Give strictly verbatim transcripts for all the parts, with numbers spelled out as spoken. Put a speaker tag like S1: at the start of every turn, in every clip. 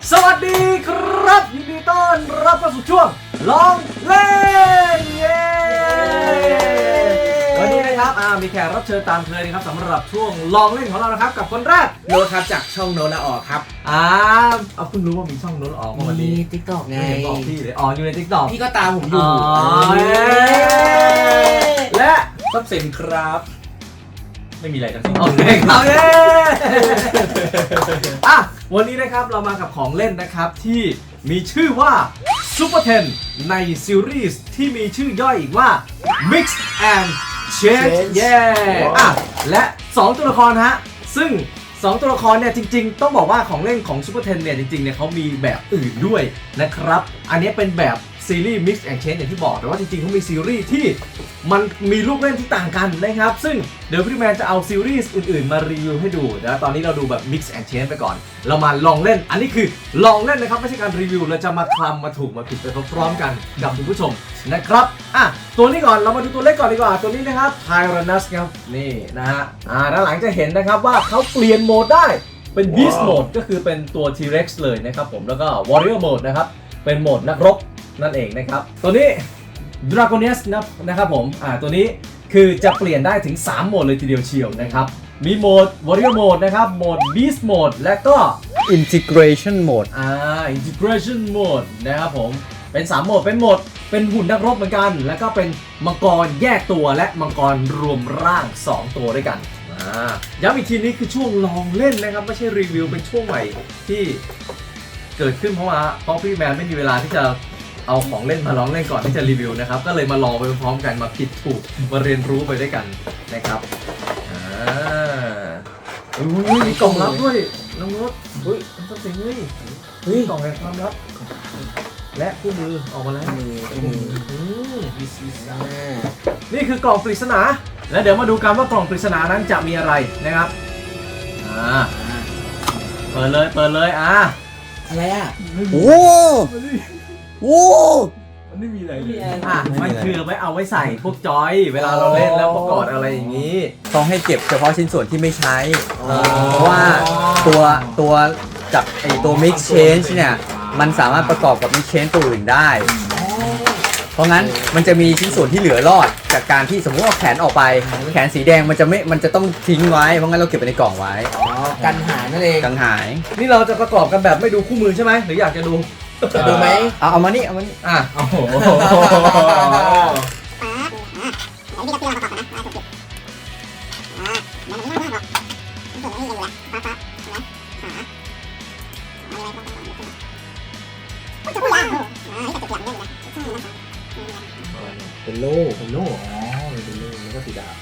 S1: สวัสดีครับยินดีต้อนรับเข้าสู่ช่วงลองเล่นเย้วันนี้นะครับมีแขกรับเชิญตามเคยนะครับสำหรับช่วงลองเล่นของเรานะครับกับคนแรก
S2: โนตครับจากช่องโนตละออกครับ
S1: อ่าเอาเพิ่งรู้ว่ามีช่องโน้ตออกมาวันนี้
S2: ติ๊กต็อกไง
S1: ไม่เห็นบอกพี่เลยอ๋ออยู่ใน ติ๊กต็อก
S2: พี่ก็ตามผมอยู่
S1: และ
S2: ทรัพย์สินครับไม่มีอะไรทั้งสิ้น
S1: โอเคครับเย้อ่ะวันนี้นะครับเรามากับของเล่นนะครับที่มีชื่อว่า Super เทน ในซีรีส์ที่มีชื่อย่อยอีกว่า Mix and Change เย้อ่ะและสองตัวละครฮะซึ่งสองตัวละครเนี่ยจริงๆต้องบอกว่าของเล่นของ Super เทนเนี่ยจริงๆเนี่ยเขามีแบบอื่นด้วยนะครับอันนี้เป็นแบบซีรีส์ Mix and Change อย่างที่บอกแต่ว่าจริงๆเขามีซีรีส์ที่มันมีลูกเล่นที่ต่างกันนะครับซึ่งเดี๋ยวพี่แมนจะเอาซีรีส์อื่นๆมารีวิวให้ดูนะตอนนี้เราดูแบบ Mix and Change ไปก่อนเรามาลองเล่นอันนี้คือลองเล่นนะครับไม่ใช่การรีวิวเราจะมาคลำมาถูกมาผิดไปพร้อมๆกันกับคุณผู้ชมนะครับอ่ะตัวนี้ก่อนเรามาดูตัวเล็กก่อนดีกว่าตัวนี้นะครับ Tyrannus ครับนี่นะฮะอ่าด้านหลังจะเห็นนะครับว่าเขาเปลี่ยนโหมดได้เป็น Beast Mode ก็คือเป็นตัว T-Rex เลยนะครับผมแล้วก็ Warrior Mode นะครับเป็นโหมดนักรบนั่นเองนะครับตัวนี้ Dragoness นะครับผมอ่าตัวนี้คือจะเปลี่ยนได้ถึงสามโหมดเลยทีเดียวเชียวนะครับมีโหมด Warrior Mode นะครับโหมด Beast Mode และก็
S3: Integration Mode
S1: อ่า Integration Mode นะครับผมเป็นสามโหมดเป็นโหมดเป็นหุ่นนักรบเหมือนกันแล้วก็เป็นมังกรแยกตัวและมังกรรวมร่างสองตัวด้วยกันอ่าย้ำอีกทีนี้คือช่วงลองเล่นนะครับไม่ใช่รีวิวเป็นช่วงใหม่ที่เกิดขึ้นเพราะว่าเพราะพี่แมนไม่มีเวลาที่จะเอาของเล่นมาลองเล่นก่อนที่จะรีวิวนะครับก็เลยมาลองไปพร้อมกันมาผิดถูกมาเรียนรู้ไปด้วยกันนะครับอ่าอุ้ยมีกล่องลับด้วยน้องรถเฮ้ยมันต้องเสียงเฮ้ยเฮ้ยกล่องแห่งความลับและคู่มือออกมาแล้วมือมือนี่คือกล่องปริศนาและเดี๋ยวมาดูกันว่ากล่องปริศนานั้นจะมีอะไรนะครับอ่าเปิดเลยเปิดเลยอ่า
S2: อะไรอ่ะ
S3: โอ้โห
S1: มันไม่มีอะไรเลยอ่ะมันคือไว้เอาไว้ใส่พวกจอยเวลาเราเล่นแล้วประกอบอะไรอย่างนี้
S3: ต้องให้เก็บเฉพาะชิ้นส่วนที่ไม่ใช้ เพราะว่าตัวตัวจากไอตัว Mix Change เนี่ยมันสามารถประกอบกับ Mix Change ตัวอื่นได้ เพราะงั้นมันจะมีชิ้นส่วนที่เหลือรอดจากการที่สมมติว่าแขนออกไปแขนสีแดงมันจะไม่มันจะต้องทิ้งไว้เพราะงั้นเราเก็บไว้ในกล่องไว้
S2: อ๋อกันหายนั่นเอง
S3: กันหาย
S1: นี่เราจะประกอบกันแบบไม่ดูคู่มือใช่ไหมหรืออยากจะดู
S2: จะดูไหม
S3: เอาเอามานี่เอามานี่
S1: อ่ะโอ้โห
S2: เป็นโล่เป็นโล่อ๋อเป็นโล่แล้วก็สีดาบ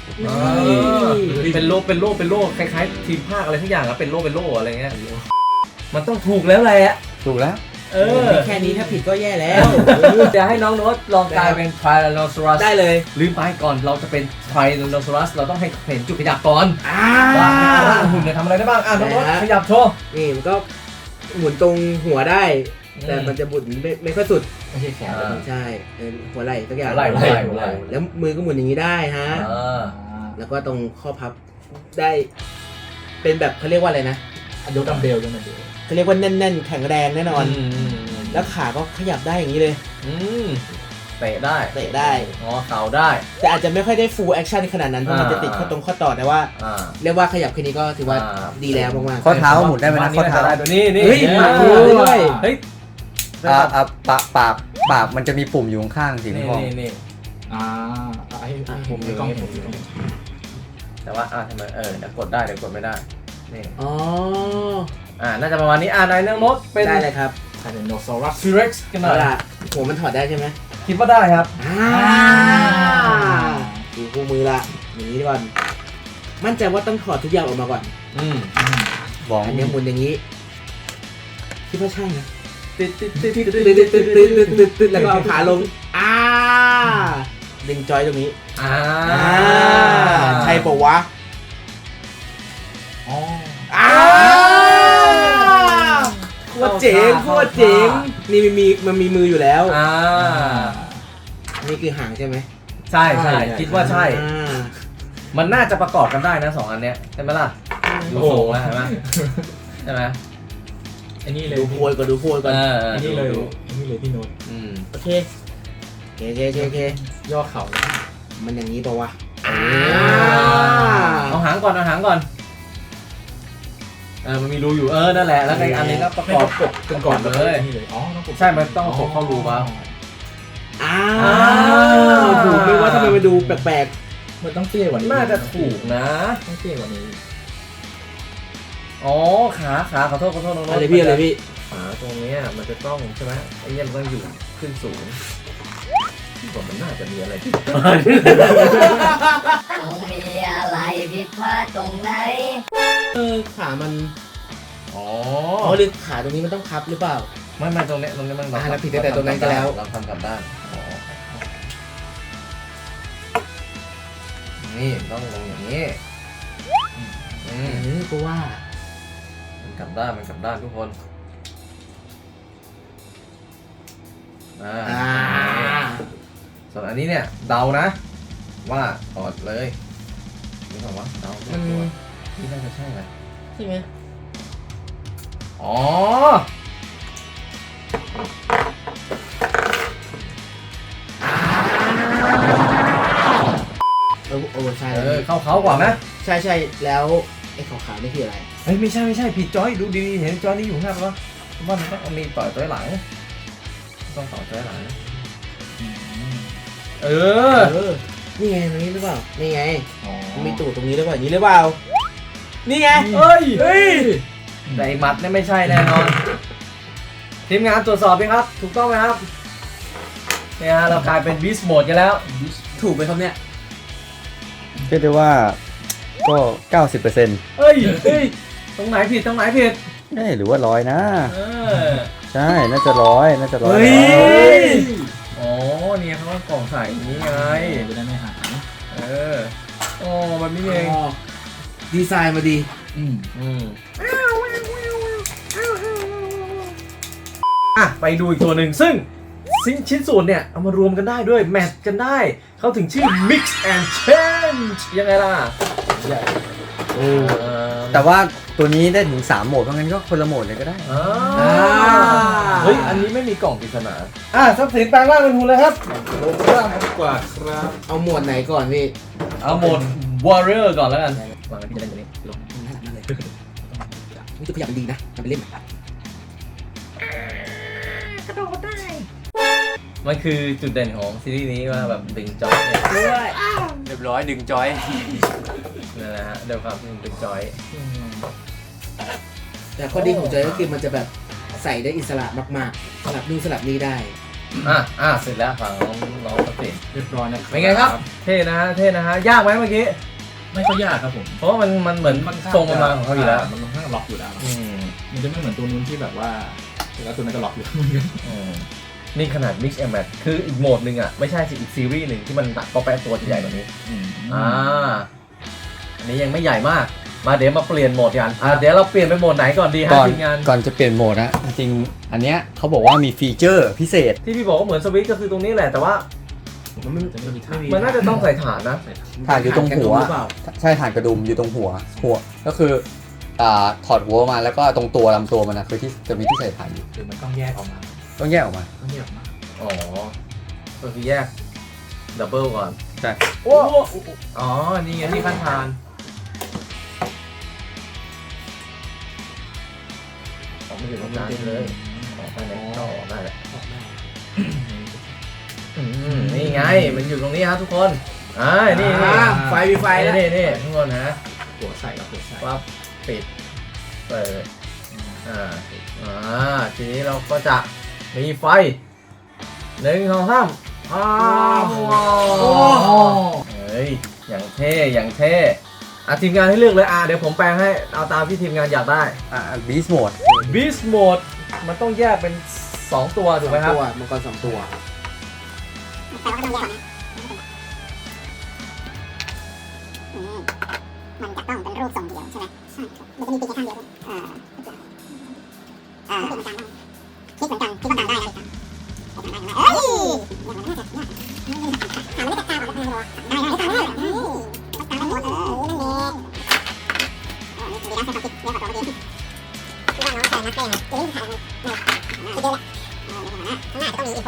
S1: เป็นโล่เป็นโล่เป็นโล่คล้ายๆทีมภาคอะไรทุกอย่างอะเป็นโล่เป็นโล่อะไรเงี้ยมันต้องถูกแล้วแหละ
S3: ถูกแล้ว
S1: เออ
S2: แค่นี้ถ้าผิดก็แย่แล้ว
S1: จะให้น้องโน้ตลองกลายเป็น Tyrannosaurus
S2: ได้เลย
S1: ลืมไปก่อนเราจะเป็น Tyrannosaurus เราต้องให้เห็นจุดขยับก่อน
S2: อ่า
S1: ว่าร่างหุ่นเนี่ยทำอะไรได้บ้างอ่ะน้องโน้ตขยับโชว์
S2: นี่มันก็หมุนตรงหัวได้ แต่มันจะหมุนไม่ไม่ค่อยสุด
S1: ไม่ใช่แขน
S2: ใช่เป็นหัวไหล่สักอย่าง
S1: หัวไหล่หัวไหล่หัวไหล่
S2: แล้วมือก็หมุนอย่างนี้ได้ฮะ
S1: อ่า
S2: แล้วก็ตรงข้อพับได้เป็นแบบเขาเรียกว่าอะไรนะยกดัมเบลยกดัมเบลเขาเรียกว่าแน่นๆแข็งแรงแน่นอน แล้วขาก็ขยับได้อย่างนี้เลย
S1: อืมเตะได้
S2: เตะได้
S1: อ๋อเข่าได้
S2: แต่อาจจะไม่ค่อยได้ full action ขนาดนั้นเพราะมันจะติดข้อตรงข้อต่อแต่ว่า
S1: อ่า
S2: เรียกว่าขยับแค่นี้ก็ถือว่า
S1: อ่า
S2: ดีแล้วมากๆ
S3: ข้อเท้าหมุนได้ไหมนะข้อเท้า
S1: ได้ตัวนี้นี่
S2: เฮ้ย
S1: นี่
S2: หมุนได้ด้วย
S1: เฮ้ย
S3: อ่าอ่าปากปากปากมันจะมีปุ่มอยู่ข้างๆสี
S1: นี่
S3: ทอง
S1: นี่นี่
S4: อ่าไอ้ไอ้
S1: ผมอยู่
S4: กล้อง
S1: นี่
S4: เห็น
S1: ผมอยู่นี่แต่ว่าอ่าทำไมเออเดี๋ยวกดได้เดี๋ยวกดไม่ได้นี่
S2: อ๋อ
S1: อ่าน่าจะประมาณนี้อ่านายเรื่องรถเป็น
S2: ได้เลยครับ
S4: ไทเรนโนซอรัส
S1: T-Rex กันหน่
S2: เอา
S1: อย
S2: ล่ะหัวมันถอดได้ใช่ไหม
S1: คิดว่าได้ครับ
S2: อ่าดูคู่มือละอย่างนี้ก่อนมั่นใจว่าต้องถอดทุกอย่างออกมาก่อน
S1: อืม
S3: บอง
S2: อันนี้หมุนอย่างนี้คิดว่าใช่นะ
S1: ติดติดติดติด
S2: ตึ๊ดตึ๊ดตึ๊ดตึ๊ดตึ๊ดตึ๊ดตึ๊ดแล้วก็เอาขาลงอ่าดึงจอยตรงนี้
S1: อ่า
S2: อ่าใช่ปะวะ
S4: อ๋อ
S2: อ่าโคตรเจ๋งโคตรเจ๋งนี่มันมีมันมีมืออยู่แล้ว
S1: อ่า
S2: นี่คือหางใช่ไหม
S1: ใช่ใช่คิดว่าใช่
S2: อ่า
S1: มันน่าจะประกอบกันได้นะสองอันเนี้ยใช่ไหมล่ะดูทรงแล้วใช่ไหมใช่ไหม
S4: อันนี้เลย
S2: ดูโพยก่อนดูโพยก่อน
S3: เออ
S4: อันนี้เลย
S3: ดู
S4: อันนี้เลยพี่โน้ต
S3: อืม
S2: โอเคโอเคโอเคโอเคโอเค
S4: ย่อเข่าเลย
S2: มันอย่างนี้ปะวะ
S1: เอาหางก่อนเอาหางก่อนเออมันมีรูอยู่เออนั่นแหละแล้วในอันนี้ก็ประ
S4: ไม่
S1: กอบ
S4: ประกบกันก่อน
S1: เลย
S4: นี่เลยอ๋อต้องกด
S1: ใช่มันต้องกดเข้ารูมา
S2: อ้าวถูกไหมว่าทำไมมันดูแปลก
S4: มันต้องเตี้ยกว่านี้
S1: น่าจะถูกนะ
S4: ต้องเตี้ยกว่านี้
S1: อ๋อขาขาขอโทษขอโทษน้อง
S2: ๆ
S1: ๆ
S2: อะไรพี่อะไรพี่
S1: ขาตรงเนี้ยมันจะต้องใช่ไหมไอ้เนี่ยมันต้องอยู่ขึ้นสูงที่ผมมันน่าจะมีอะไรที่
S5: มีอะไรผิดพลาดตรงไหน
S2: เออขามัน
S1: อ๋อ
S2: อ๋อหรือขาตรงนี้มันต้องพับหรือเปล่า
S1: ไม่ไม่ตรงเนี้ยตรงเนี้ยมัน
S2: อ่าแล้วผิดตั้งแต่ตรงนั้นก็แล้ว
S1: เราทำกลับด้านอ๋อนี่ต้องลงอย่างนี้อื
S2: เอ
S1: ม
S2: อก็ว่า
S1: มันกลับด้านมันกลับด้านทุกคนอ่า
S2: อ่า
S1: ส่วนอันนี้เนี่ยเดานะ ว่าถอดเลยนี่บอกว่าเดา
S2: มัน
S1: ตัวนี่น่าจะใช่ไหม
S2: ใช่ไหม
S1: อ๋อ
S2: เออโอ้ใช่
S1: เออเข้าเขากว่าไหม
S2: ใช่ใช่แล้วไอ้ขาวๆนี่คืออะไร
S1: เฮ้ยไม่ใช่ไม่ใช่ผิดจอยดูดีๆเห็นจอยนี่อยู่ข้างหน้าปะว่ามันต้องมีต่อยตัวหลังต้องต่อตัวหลังเออ
S2: เออนี่ไงตรงนี้หรือเปล่านี่ไง
S4: อ๋อ
S2: มันมีตูดตรงนี้หรือเปล่าอย่างนี้หรือเปล่านี่ไง
S1: เฮ้ย
S2: เฮ้ย
S1: แต่ไอ้หมัดเนี่ยไม่ใช่แน่นอนทีมงานตรวจสอบไหมครับ ถูกต้องไหมครับเนี่ยฮะเรากลายเป็นบีสโหมดกันแล้ว
S2: ถูกไหมครับเนี่ย
S3: เรียกได้ว่าก็ เก้าสิบเปอร์เซ็นต์
S1: เฮ้ยเฮ้ยตรงไหนผิดตรงไหนผิด
S3: เอ้ยหรือว่าร้อยนะ
S1: เออ
S3: ใช่น่าจะร้อยน่าจะร้อย
S1: เฮ้ย
S3: แล้ว
S1: อ๋อเนี่ยเขาก็กล่องใส่อย่างนี้ไง
S4: จะได้ไม่หาย
S1: เอออ๋อแบบนี้เอง
S2: อ๋อดีไซน์มาดี
S4: อืม
S1: อืมอ่ะไปดูอีกตัวหนึ่งซึ่งชิ้นชิ้นส่วนเนี่ยเอามารวมกันได้ด้วยแมทกันได้เขาถึงชื่อ mix and change ยังไงล่ะ
S2: โอ้
S1: เออ
S3: แต่ว่าตัวนี้ได้ถึงสามโหมดเพราะงั้นก็คนละโหมดเลยก็ได้
S1: อ่าเฮ้ย อันนี้ไม่มีกล่องปริศนาอ่ะทรัพย์สินแปลงร่างเป็นหุ่นเลยครับ
S4: ลงล่างดีกว่าครับ
S2: เอาหมวดไหนก่อนพี่
S1: เอาโหมด warrior ก่อนแล้วกันวางไว้ที่จะเล่นตัวนี้ลง
S2: นั่นนั่นเลยนี่คือขยับมันดีนะทำไปเล่น
S1: มันคือจุดเด่นของซีรีส์นี้ว่าแบบดึงจอยเนี่ย
S2: ด้วย
S3: เรียบร้อยดึงจอย
S1: นั่นแหละฮะเดี๋ยวครับดึงจอย
S2: แต่ข้อดีของจอยก็คือมันจะแบบใส่ได้อิสระมากๆสลับนู่นสลับนี่ได้
S1: อ่ะอ่ะเสร็จแล้วฝั่งน้องน้องสติ
S4: เรียบร้อยนะ
S1: เป็นไงครับ เท่นะฮะเท่นะฮะยากไหมเมื่อกี้
S4: ไม่ค่อยยากครับผม
S1: เพราะว่ามันมันเหมือนทรงมันมาของเขาอยู่แล้ว
S4: มันค่อนข้างล็อกอยู่แล้ว
S1: อืม
S4: มันจะไม่เหมือนตัวนู้นที่แบบว่าแล้วตัวนั้นก็ล็อกอยู่เหมือนกัน
S1: อืมนี่ขนาด mix and match คืออีกโหมดหนึ่งอ่ะไม่ใช่สิอีกซีรีส์หนึ่งที่มันตัดก็แปะตัวจะใหญ่กว่านี้
S4: อืม
S1: อ่า อันนี้ยังไม่ใหญ่มาก มาเดี๋ยวมาเปลี่ยนโหมดกัน อ่าเดี๋ยวเราเปลี่ยนไปโหมดไหนก่อนดีฮะ
S3: ก่อน
S1: ทีมงาน
S3: ก่อนจะเปลี่ยนโหมดนะจริงๆอันเนี้ยเขาบอกว่ามีฟีเจอร์พิเศษ
S1: ที่พี่บอกว่าเหมือนสวิตช์ก็คือตรงนี้แหละ แต่ว่า
S4: มันไม่จะไม่มีทาง
S1: มันน่าจะต้องใส่ฐานนะ
S3: ถ่านอยู่ตรงหัว
S2: หรือเปล่า
S3: ใช่ถ่านกระดุมอยู่ตรงหัว หัวก็คืออ่าถอดหัวมาแล้วก็ตรงตัวลำตัวมันนะคือที่จะมีที่ใส่ถ่านอยู่
S4: หรือมันต้องแยกออกมา
S3: ต้องแยกออกมา
S4: ต้องแยกออกมา
S1: อ๋อ ก็คือแยกดับเบิลก่อน
S3: ใช่
S1: โอ้อ๋อ นี่ไงที่ขั้นฐานออกไม่ถึงตรงกลางเลยออกไปไหนก็ออกได้แหละ
S2: ออกได้
S1: อืมนี่ไง มันอยู่ตรงนี้ครับทุกคน อ่า นี่นี่
S2: อ่าไฟมีไฟแล้ว
S1: นี่นี่ทุกคนนะ
S4: หัวใส่กับหัวใส่
S1: ปั๊บปิด เปิด อ่า อ่า ทีนี้เราก็จะมีไฟหนึ่งสองสามอ้าวเฮ้ย อย่างเท่ อย่างเท่ อ่ะทีมงานให้เลือกเลย อ่ะเดี๋ยวผมแปลงให้ เอาตามที่ทีมงานอยากได้
S3: อ่าบีสโหมด
S1: Beast Mode มันต้องแยกเป็นสองตัวถูกไหมครับ
S2: ตัวมังกรสองตัว
S5: อืมมันจะต้องเป็นรูปทรงเดียวใช่ไหมใช่มันจะมีปีกแค่ข้างเดียวด้วยอ่าอ่าเหมือนกันคิดเหมือนกันคิดว่าการได้นะเฮ้ยมันน่าจะยากถามไม่ได้กล้าบอกเลยได้ได้ได้ได้ได้ได้หมดเออนั่นเองอ๋อนี่ดีนะสติเรียกว่าตัวเมื่อกี้ที่ว่าน้องแฟนนักเล่นเก่ง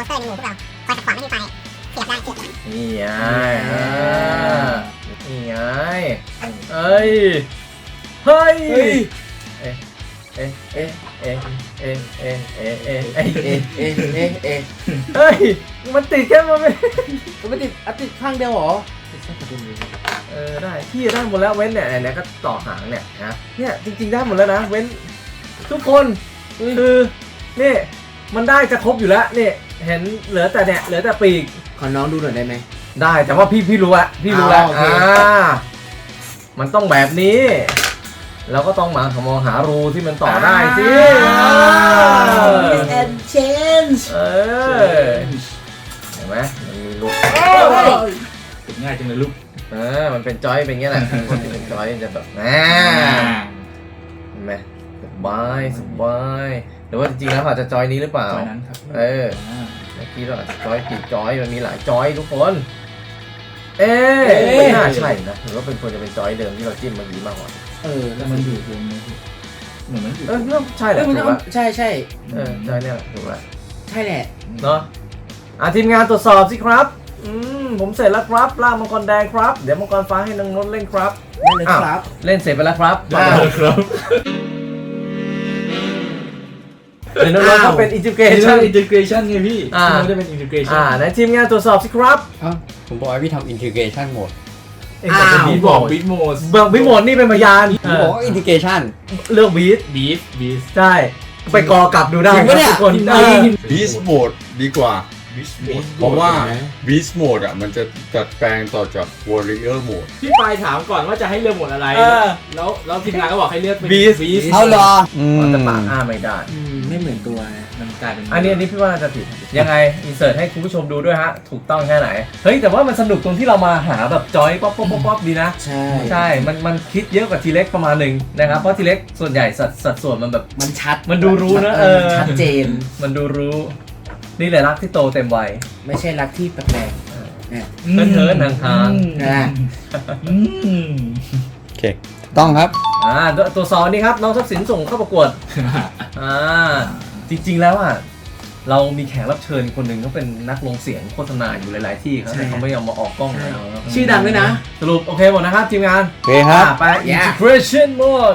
S5: สเตอร์ในหมู่พวกเราคอยขัดขวางไม่ให้ไฟเสียบได้เสียบได้
S1: นี่ไงอ่านี่ไงเอ้ย เฮ้ย เอ๊ะ เอ๊ะ เอ๊ะ เอ๊ะ เอ๊ะ เอ๊ะ เอ๊ะ เอ๊ะ เอ๊ะ
S2: เอะเอะเอะเอะ
S1: เฮ้ย มันติดแค่มันไม่
S2: มันไม่ติดอ่ะติดข้างเดียวเหรอ
S1: เออได้พี่ได้หมดแล้วเว้นเนี่ยเนี่ยก็ต่อหางเนี่ยนะเนี่ยจริงๆได้หมดแล้วนะเว้นทุกคนคือนี่มันได้จะครบอยู่แล้วนี่เห็นเหลือแต่เนี่ยเหลือแต่ปีก
S2: ขอน้องดูหน่อยได้ไหม
S1: ได้แต่ว่าพี่พี่รู้อะพี่รู้แล้ว
S2: อ่าโอเค
S1: อ่ามันต้องแบบนี้เราก็ต้องมาหมองหารูที่มันต่อได้สิ
S2: Miss and change
S1: เออเห็นไหมมันมีรู
S4: ติดง่ายจังเลยลูก
S1: เออมันเป็นจอยเป็นอย่างเงี้ยแหละคนที่เป็นจอยจะแบบแหม เห็นไหมสบายสบายหรือว่าจริงๆแล้วเขาอาจจะจอยนี้หรือเปล่า
S4: จอยนั้นครับ
S1: เออ เมื่อกี้เราอาจจะจอยผิดจอยมันมีหลายจอยทุกคน เอ๊ะไม่น่าใช่นะหรือว่าเป็นควรจะเป็นจอยเดิมที่เราจิ้มเมื่อกี้มากกว่า
S2: เออ
S4: แล้วมันอยู่ตรงนี้เหมือนมันอยู่
S1: เออเริ่มใช่แห
S2: เอ้
S1: ละ
S2: ยมัน
S1: ถูก
S2: เอา
S1: ละ
S2: ใช่ใช่
S1: เออจอยเนี่ยแหละถูกละ
S2: ใช่แหละ
S1: เนาะอ่ะทีมงานตรวจสอบสิครับอืมผมเสร็จแล้วครับล่างมังกรแดงครับเดี๋ยวมังกรฟ้าให้น้องนนท์เล่นครับ
S2: ได้เลยครับ
S1: เล่นเสร็จไปแล้วครับ
S4: ได้เลยครับ
S1: เดี๋ยวน้องๆ
S2: อ้าว
S1: ก็เป็นอินทิเก
S4: เอ
S1: ชัน
S4: อินทิเกชันไงพี่
S1: อ่า
S4: มันจะเป็นอินทิเกชั
S1: อ่าน ในทีมงานตรวจสอบสิครับ
S3: เอ้าผมบอกให้พี่ทำ integration mode
S1: เองบอกเป็น
S2: อ้าว
S1: บี
S4: บี
S1: บบ อ
S4: อก กบิ๊กโมส
S1: เบิร์กบิโมดนี่เป็นพยาน
S3: ผมบอกว่า integration
S1: เลือกบีท
S4: บีฟบีฟ
S1: ใช่ ไปกอกลับดูได้
S3: จริงปะเนี่ย
S1: ทุกคน
S4: จริง
S1: เออ
S6: Beast Mode ดีกว่า เพราะว่า Beast Mode อ่ะมันจะจัดแปลงต่อจาก Warrior Mode
S4: พี่ปายถามก่อนว่าจะให้เลือกหมดอะไร
S1: เออ
S4: แล้วแล้วทีมงานก็บอกให้เลือกเป็น
S1: Beast
S4: บีฟ
S3: เอาเหรออืม
S1: แต่ปากอ้าไม่ได้
S2: อืมไม่เหมือนตัวนะ
S4: มันกลายเป็น
S1: อันนี้อันนี้พี่ว่าน่าจะผิด ยังไง อินเสิร์ตให้คุณผู้ชมดูด้วยฮะ ถูกต้องแค่ไหน เฮ้ย แต่ว่ามันสนุกตรงที่เรามาหาแบบจอยป๊อปป๊อปป๊อปป๊อปดีนะ
S2: ใช่
S1: ใช่ มันมันคิดเยอะกว่าทีเล็กประมาณหนึ่งนะครับ เพราะทีเล็กส่วนใหญ่สัดสัดส่วนมันแบบ
S2: มันชัด
S1: มันดูรู้นะ
S2: เออ
S1: เออ
S2: ชัดเจน
S1: มันดูรู้ นี่แหละรักที่โตเต็มวัย
S2: ไม่ใช่รักที่แปลกๆเนี่ย
S1: เทินเทินๆห่าง
S2: นะ
S4: อืม
S3: โอเคถูกต้องครับ
S1: ๆอ่าตัวตัวสองนี่ครับ น้องทรัพย์สินส่งเข้าประกวด อ่า จริงๆแล้วอ่ะ เรามีแขกรับเชิญคนหนึ่งเขาเป็นนักลงเสียงโฆษณาอยู่หลาย ๆ ที่ครับแต่เขาไม่ยอมมาออกกล้องแล้ว
S2: ชื่อดังด้วยนะ
S1: สรุปโอเคหมดนะครับทีมงาน
S3: โอเคครับ
S1: อ่ะไป integration mode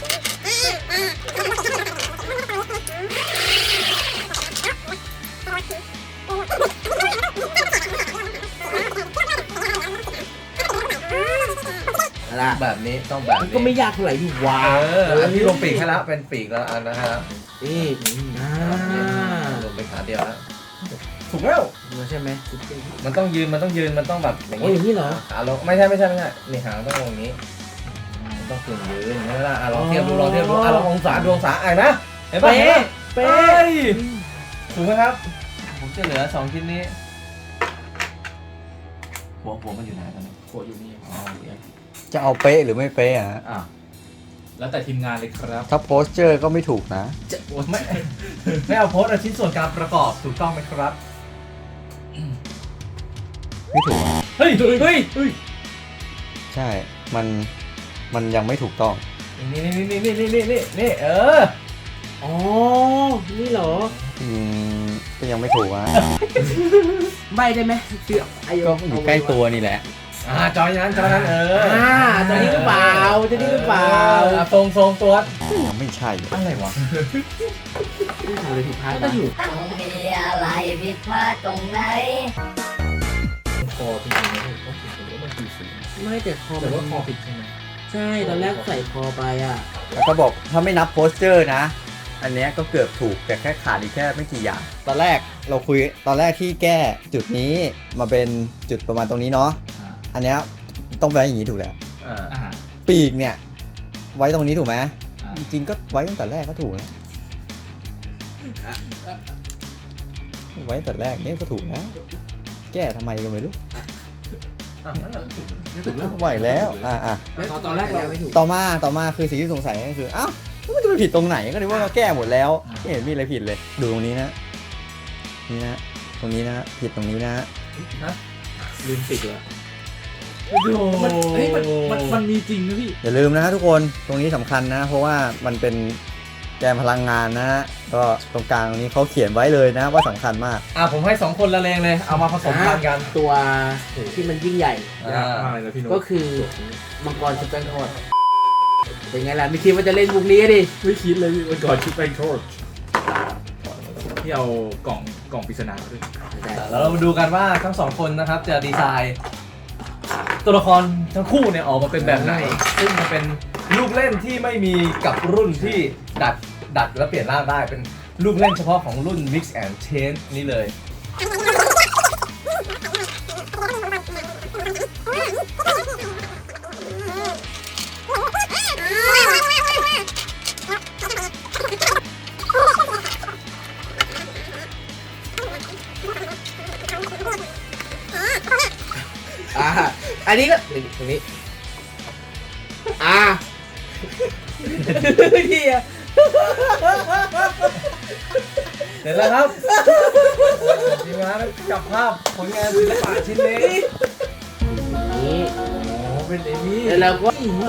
S2: อะไร
S1: แบบนี้ต้องแบบ
S2: มัน
S1: นี้
S2: ก็ไม่ยากเท่าไหร่ที่ว้า
S1: เอออันที่ลงปีกให้แล้วเป็นปีกแล้วอันนะฮะ
S2: นี่อ่า
S1: ลงไปขาเดียวแล้วถูกแล้ว
S2: มันใช่ไหม
S1: มันต้องยืนมันต้องยืนมันต้องแบบอย่าง
S2: โอ้ยอย่างนี้เหรอ
S1: ขาลงไม่ใช่ไม่ใช่ไม่ใช่นี่หางต้องลงอย่างนี้มันต้องกึ่งยืนใช่ไหมล่ะอ่ะลองเทียบดูลองเทียบดูอ่ะลององศาดูองศาอ่ะนะเห็นปะ
S2: เป๊ะ
S1: เป๊
S2: เป๊ะ
S1: ะถูกไหมครับ ผมจะเหลือสองชิ้นนี้หัวหัวมันอยู่ไหนตอนนี้
S4: โคอยู่นี่
S1: อ๋อโอเค
S3: จะเอาเป๊ะหรือไม่เป๊ะอะฮะ
S4: อ่ะแล้วแต่ทีมงานเลยครับ
S3: ถ้าโพสเจอร์ก็ไม่ถูกนะ
S1: ไม่ไม่เอาโพสต์เอาชิ้นส่วนการประกอบถูกต้องไหมครับ
S3: ไม่ถูกอะ
S1: เฮ้ย เฮ้ย เฮ้ย
S3: ใช่ มัน มันยังไม่ถูกต้อง
S1: นี่นี่นี่นี่นี่นี่นี่นี่เออ
S2: อ๋อ นี่เหรอ
S3: อืม ก็ยังไม่ถูกอ่ะ
S2: ใบได้ไหมเสือไอ้
S3: ก็อยู่ใกล้ตัวนี่แหละ
S1: อ่าจอยนั้นจอยนั้นเออ
S2: อ่าตัวนี้หรือเปล่าตัวนี้หรือเปล่า
S1: อ่ะทรงทรงตัว
S3: ยังไม่ใช่
S1: อะไรวะ
S2: ทำอะไรผิดพลาด
S4: ก็อยู่
S7: มีอะไรผิดพลาดตรงไหน
S4: คอจริงๆนะผมก็คิดว่ามันคือสี
S2: ไม่แต่คอ
S4: แต่
S2: แต่
S4: ว่า
S2: ว่า
S4: ค
S2: ค
S4: อ
S2: อ
S4: ผิดใช่ไหม
S2: ใช่ตอนแรกใส่คอไปอ่ะ
S3: แล้วก็บอกถ้าไม่นับโพสเจอร์นะ อันเนี้ยก็เกือบถูกแต่แค่ขาดอีกแค่ไม่กี่อย่าง ตอนแรกเราคุยตอนแรกที่แก้จุดนี้มาเป็นจุดประมาณตรงนี้เนาะ
S4: อ่า
S3: อันเนี้ยต้องไว้อย่างนี้ถูกแล้ว
S1: อ่า
S4: อ่า
S3: ปีกเนี่ย ไว้ตรงนี้ถูกไหม
S4: อ่า
S3: จริงๆก็ไว้ตั้งแต่แรกก็ถูกแล้วไว้ตั้งแต่แรกเนี่ยก็ถูกแล้วแก้ทำไมก็ไม่รู้
S1: อ่ะนั่นแหละ
S4: ถูกแล้ว
S3: ไหวแล้วอ่ะอ่ะ
S4: ตอนแรกเรา
S2: ไม่ถูก
S3: ต่อมาต่อมาคือสิ่งที่สงสัยก็คืออ้าวแล้วมันจะไปผิดตรงไหนก็นึกว่าเราแก้หมดแล้วไม่เห็นมีอะไรผิดเลย ดูตรงนี้นะ นี่นะตรงนี้นะผิดตรงนี้นะ
S4: ลืมติดเลย
S1: โอ้โห
S4: มันเฮ้ยมันมันมันมีจริงนะพี่
S3: อย่าลืมนะฮะทุกคนตรงนี้สำคัญนะ เพราะว่ามันเป็นแกนพลังงานนะฮะก็ตรงกลางตรงนี้เขาเขียนไว้เลยนะว่าสำคัญมาก
S1: อ่ะผมให้สองคนละเลงเลยเอามาผสมกันกัน
S2: ตัวที่มันยิ่งใหญ่
S1: อ่า
S4: มากเลยนะพี่โน้ต
S2: ก็คือมังกรชุบแป้งทอดเป็นไงล่ะไม่คิดว่าจะเล่นมุกนี้ดิ
S4: ไม่คิดเลยพี่วันก่อนชุดแป้งทอดที่เอากล่องกล่องปริศนามาด้วย
S1: แล้วเรามาดูกันว่าทั้งสองคนนะครับจะดีไซน์ตัวละครทั้งคู่เนี่ยออกมาเป็นแบบไหน ซึ่งมันเป็นลูกเล่นที่ไม่มีกับรุ่นที่ดัดดัดและเปลี่ยนร่างได้เป็นลูกเล่นเฉพาะของรุ่น Mix and Change นี่เลย
S2: อ่าอันนี้ก็นี่ตรงนี้อ่าเฮีย
S1: เสร็จแล้วครับทีมงานจับภาพผลงานศิลปะชิ้นนี้
S2: นี่
S1: โอ้เป็นเอมี่
S2: แล้วเราก็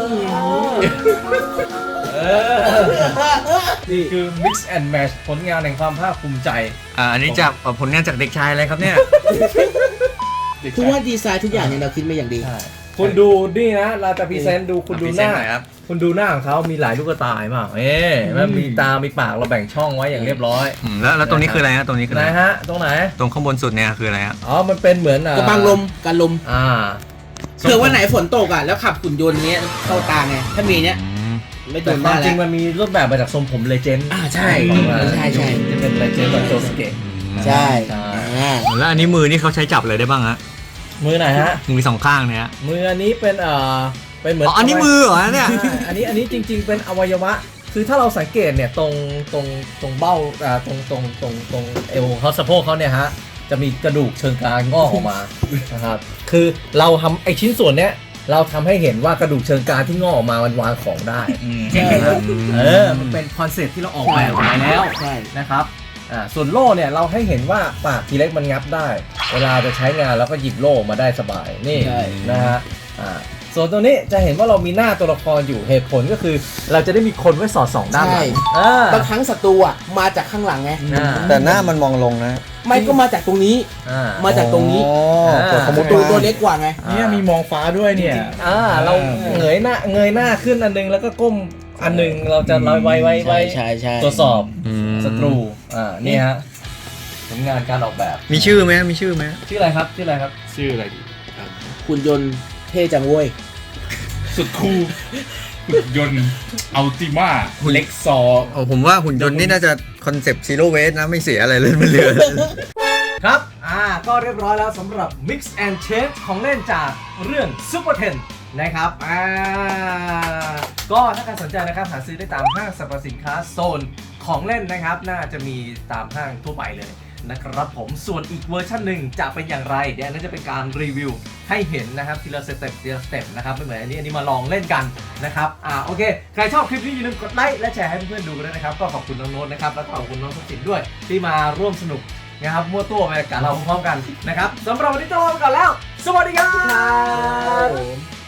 S1: เออนี่คือ Mix and Match ผลงานแห่งความภาคภูมิใจ
S3: อ่าอันนี้จากผลงานจากเด็กชายอะไรครับเนี่ย
S2: คือว่าดีไซน์ทุกอย่างเนี่ยเราคิดมาอย่างดี
S1: คุณดูนี่นะ เราจะพรีเซนต์ดูคุณดูหน้า
S3: พรีเซนต์หน่อยครับ
S1: คุณดูหน้าของเขามีหลายลูกตาเห็นเปล่าเอ๊ะมันมีตา มีปากเราแบ่งช่องไว้อย่างเรียบร้อย
S3: อืมแล้วแล้วตรงนี้คืออะไรฮะตรงนี้คือ
S1: ไห
S3: อะ
S1: น
S3: ไร
S1: ฮะ ตรงไหน
S3: ตรงข้างบนสุดเนี่ยคืออะไรฮะ
S1: อ๋อ มันเป็นเหมือนอ่ะ
S2: กระบังลมกันลม
S1: อ่า
S2: เผื่อวันไหนฝนตกอ่ะแล้วขับหุ่นยนต์เนี้ยเข้าตาไงถ้ามีเนี้ย
S3: อืม
S2: ไม่โด
S1: แต่
S2: น
S1: ค
S2: ได้
S1: วามจ
S2: แล้
S1: ริง
S2: ว
S1: มันมีรูปแบบมาจากทรงผมเลเจนด์
S2: อ่าใช่
S1: ของมัน
S2: ใช่ใช่
S1: จะเป็นเลเจนด์แบบโจสเกะ
S2: ใช่
S1: ใช่
S2: อ่า
S3: แล้วอันนี้มือนี่เขาใช้จับอะไรได้บ้างฮะ
S1: มือไหนฮะ
S3: มือสองข้างเนี่ยฮะ
S1: มืออันนี้เป็นเอ่อเป็นเหมือน
S3: อ๋ออันนี้มือเหรอเนี่ย
S1: ใช่อันนี้อันนี้จริง ๆ เป็นอวัยวะ คือถ้าเราสังเกตเนี่ยตรงตรงตรงเบ้าอ่าตรงตรงตรงตรงเอวเขาสะโพกเขาเนี่ยฮะจะมีกระดูกเชิงกรานงอกออกมา นะครับคือเราทำไอชิ้นส่วนเนี้ยเราทำให้เห็นว่ากระดูกเชิงกรานที่งอกออกมามันวางของได้
S2: ใช่ครับ
S1: เออมันเป็นคอนเซ็ปต์ที่เราออกแบบมาแล้ว
S2: ใช่
S1: นะครับอ่าส่วนโล่เนี่ยเราให้เห็นว่าปากทีเล็กมันงับได้ เวลาจะใช้งานเราก็หยิบโล่มาได้สบายนี่
S2: ใช่
S1: นะฮะอ่าส่วนตัวนี้จะเห็นว่าเรามีหน้าตัวละครอยู่เหตุผลก็คือ เราจะได้มีคนไว้สอดส่องด้านหลังอ่า
S2: บางครั้งศัตรูอ่ะมาจากข้างหลังไง
S1: อ่า
S3: แต่หน้ามันมองลงนะ
S2: ไม่ก็มาจากตรงนี้
S1: อ่า
S2: มาจากตรงนี้
S3: อ๋อเปิดสมุด
S2: ตัว
S3: มา
S2: ตัวเล็กกว่าไง
S4: เนี่ยมีมองฟ้าด้วยเนี่ย
S1: อ่าเราเงยหน้าเงยหน้าขึ้นอันนึงแล้วก็ก้มอันนึงเราจะลอยไว้ไว้ไว้
S2: ใช่ใช่
S1: ตรวจสอบ
S3: อืม
S1: ศัตรูอ่านี่ฮะผลงานการออกแบบ
S3: มีชื่อไหมมีชื่อไหม
S1: ชื่ออะไรครับชื่ออะไรครับ
S4: ชื่ออะไรดี
S2: หุ่นยนต์เท่จังเว้ย
S4: สุดคูลหุ่นยนต์อัลติมาเล็กซอ
S3: โอ้ผมว่าหุ่นยนต์นี่น่าจะคอนเซปต์ซีโร่เวสนะไม่เสียอะไรเลยไม่เหลือ
S1: ครับ อ่า ก็เรียบร้อยแล้วสำหรับ Mix and Change ของเล่นจากเรื่อง Super เทน นะครับ อ่า ก็ถ้าใครสนใจนะครับหาซื้อได้ตามห้างสรรพสินค้าโซนของเล่นนะครับ น่าจะมีตามห้างทั่วไปเลยนะครับผม ส่วนอีกเวอร์ชันหนึ่งจะเป็นอย่างไร เดี๋ยวอันนั้นจะเป็นการรีวิวให้เห็นนะครับทีละสเต็ปทีละสเต็ปนะครับไม่เหมือนอันนี้อันนี้มาลองเล่นกันนะครับ อ่า โอเค ใครชอบคลิปนี้อย่าลืมกดไลค์และแชร์ให้เพื่อนๆดูกันด้วยนะครับ ก็ขอบคุณน้องโน้ตนะครับ แล้วก็ขอบคุณน้องสุขินด้วยที่มาร่วมสนุกนะครับมั่วตัวไปกับเราพร้อมๆกันนะครับสำหรับวันนี้ต้องลาไปก่อนแล้ว สวัสดีครับ